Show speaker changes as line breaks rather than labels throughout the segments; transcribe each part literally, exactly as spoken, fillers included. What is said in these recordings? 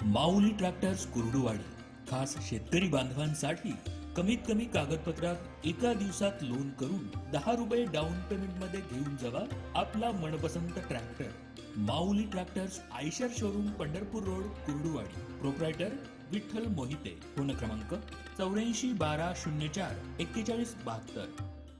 माऊली tractors Kurduwadi खास शेतकरी बांधवांसाठी कमीत कमी कागदपत्रात एका दिवसात लोन करून दहा रुपये डाऊन पेमेंट मध्ये घेऊन जावा आपला मनपसंत tractor. Mauli tractors Eicher showroom, Pandharpur road, Kurduwadi. Proprietor Vitthal Mohite. Phone क्रमांक चौऱ्याऐंशी बारा शून्य चार एक्केचाळीस बहात्तर।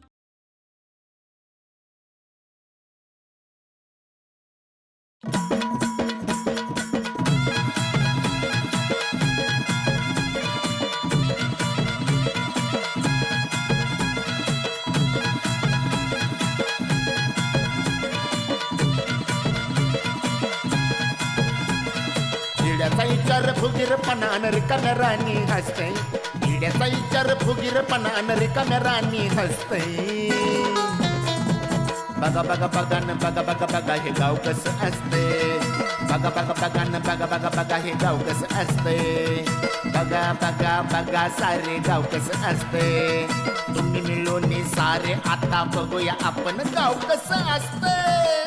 किड्याचा विचार फुगीरपणा रिकाम्या राणी हसते, किड्याचा विचार फुगीरपणा रिकाम्या राणी हसते। बघा बघा बघा न बघा बघा बघा हे गाव कसं असते, बघा बघा बघा न बघा बघा बघा हे गाव कसं असते, बघा बघा बघा सारे गाव कसं असते। तुम्ही मिळून सारे आता बघूया आपण गाव कसं असते।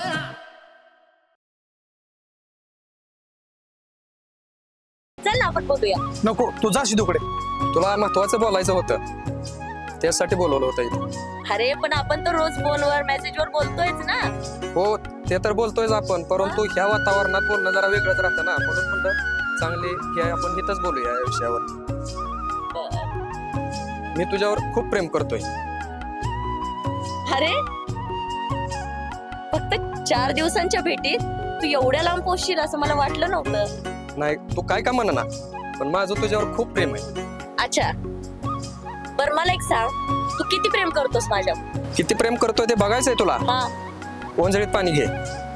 चल ना आपण बोलूया।
नको, तू जा शिदूकडे, तुला महत्वाचं बोलायचं होतं, त्यासाठी बोलवलं होतं इथे।
अरे पण आपण तर रोज फोनवर मेसेजवर बोलतोयच ना।
हो, ते तर बोलतोयच आपण, परंतु ह्या वातावरणात बोलणं जरा वेगळंच राहतं ना, म्हणून म्हणलं चांगले हे आपण इथंच बोलूया या विषयावर। मी तुझ्यावर खूप प्रेम करतोय।
अरे फक्त चार दिवसांच्या भेटीत तू एवढ्या लांब पोहोचशील असं मला वाटलं नव्हतं।
नाही, तू काय का म्हणा ना, पण माझं तुझ्यावर खूप प्रेम आहे।
अच्छा, बर मला एक सांग, तू किती प्रेम करतोस माझ्यावर?
किती प्रेम करतोय ते बघायचंय तुला?
हा,
ओंजळीत पाणी घे।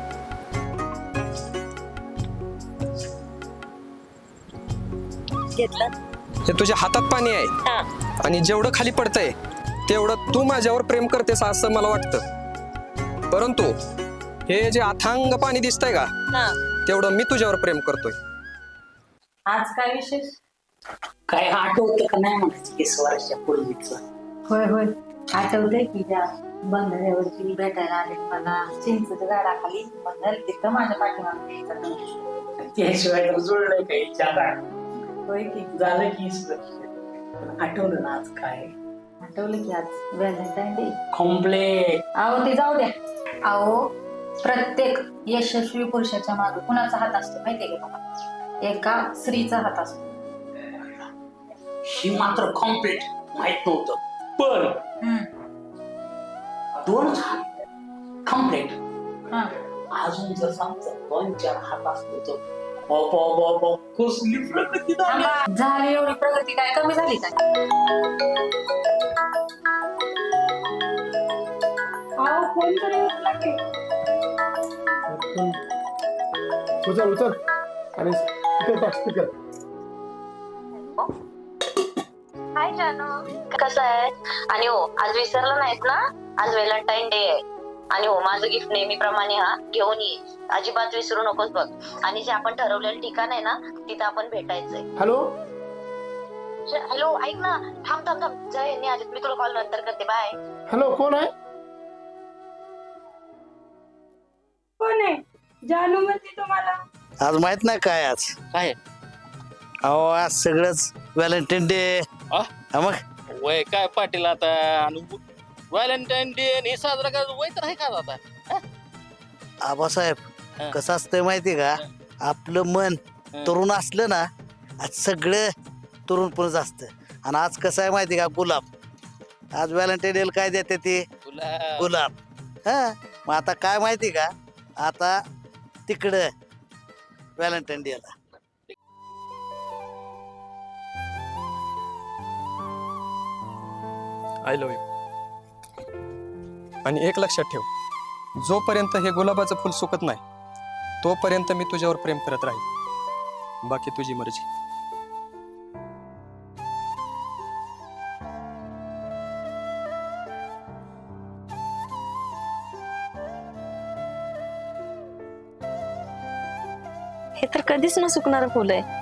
घेतलं?
हे तुझ्या हातात पाणी आहे,
हा,
आणि जेवढं खाली पडतंय तेवढं तू माझ्यावर प्रेम करतेस असं मला वाटतं, परंतु हे जे अथांग पाणी दिसतंय का,
हा।
तेवढं मी तुझ्यावर प्रेम करतोय।
आज काय विशेष?
काय आठवतं का नाही म्हणायचं वीस वर्षापूर्वीच?
होय होय आठवतंय की त्या बंधाऱ्यावरती भेटायला आले मला चिंचच्या झाडाखाली, बंधार तिथं माझ्या पाठीमागे यायचं.
त्याशिवाय तर जुळलंय काही जागा
होय की
झालं की वीस वर्ष. पण आठवलं ना आज काय?
आठवलं की आज व्हॅलेंटाईन डे.
कॉम्प्लेट.
अहो ते जाऊ द्या. अहो प्रत्येक यशस्वी पुरुषाच्या मागे कुणाचा हात असतो माहितीये का तुम्हाला? एका स्त्रीचा हात असतो।
ही मात्र कॉम्प्लेट माहित नव्हतं, पण
हम्म.
दोनच हात कॉम्प्लेट.
हा.
अजून जर समजा दोन चार हात असतो तर बाबा बाबा कसली प्रगती झाली.
थांबा, झाली एवढी प्रगती काय कमी झाली काय? अहो फोन तरी उचला की.
उचल उचल आणि स्पीकर टाक स्पीकर.
हाय जानू, कसं आहे? आणि हो, आज विसरलं नाहीत ना, आज व्हॅलेंटाईन डे आहे। आणि हो, माझं गिफ्ट नेहमीप्रमाणे हा घेऊन ये, अजिबात विसरू नकोस बघ। आणि जे आपण ठरवलेलं ठिकाण आहे ना, तिथं आपण भेटायचंय।
हॅलो
हॅलो, ऐक ना, थांब थांब थांब, जय यांनी आधी, मी तुला कॉल नंतर करते, बाय।
हॅलो, कोण आहे?
कोण आहे? जानू म्हणते तुम्हाला.
आज माहित नाही काय आज
काय
अहो आज सगळंच व्हॅलेंटाईन डे.
आ?
मग
वय काय पाटील आता, व्हॅलेंटाईन डे हे साजरा करायचं वय तर आहे का आता?
आबासाहेब
हा.
कसं असतंय माहिती का, आपलं मन
हा.
तरुण असलं ना, आज सगळं तरुणपणच असतं. आणि आज कसं आहे माहिती का, गुलाब. आज व्हॅलेंटाईन डे काय देते ते
तुला
गुलाब. हा, मग आता काय माहिती का, आता तिकडं व्हॅलेंटाईन डेला
आय लव्ह यू। आणि एक लक्षात ठेव, जोपर्यंत हे गुलाबाचं फुल सुकत नाही तोपर्यंत मी तुझ्यावर प्रेम करत राहील, बाकी तुझी मर्जी।
हे तर कधीच न सुकणार फुल आहे।